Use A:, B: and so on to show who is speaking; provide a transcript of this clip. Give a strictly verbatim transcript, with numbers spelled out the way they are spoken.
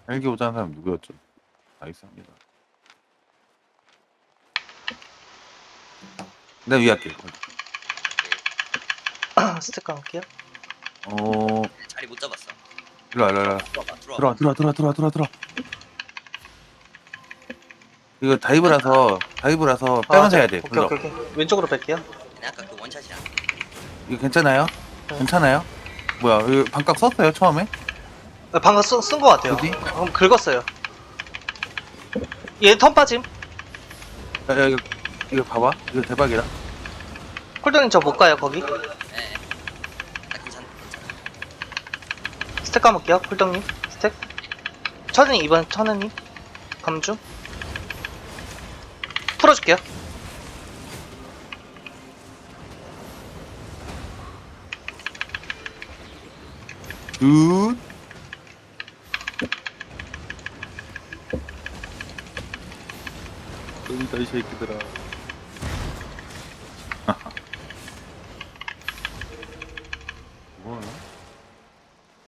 A: 헬기 오자는 사람 누구였죠? 나이스합니다. 내가 위에 할게.
B: 스택 할게요.
A: 어,
C: 자리 못 잡았어.
A: 일로와, 일로와, 일로와.
C: 들어와봐, 들어와.
A: 들어와, 들어와, 들어와, 들어와, 들어와, 들어와. 이거 다이브라서, 다이브라서 빼면서 해야 돼.
B: 오케이,
A: 불러.
B: 오케이, 오케이. 왼쪽으로 뺄게요.
C: 근데 아까 그 원샷이야.
A: 이거 괜찮아요?
B: 네.
A: 괜찮아요? 뭐야, 이거 반각 썼어요, 처음에?
B: 아, 방금 쓴 거 같아요.
A: 어디?
B: 방금 긁었어요. 얘 턴 빠짐.
A: 야, 야, 이거, 이거 봐봐. 이거 대박이다.
B: 콜드님 저 못 가요, 거기.
C: 예. 예. 나 괜찮, 괜찮아.
B: 스택 까볼게요, 콜드님. 스택. 천은님, 이번 천은님. 감주. 풀어줄게요.
A: 굿. 여기다, 이 새끼들아.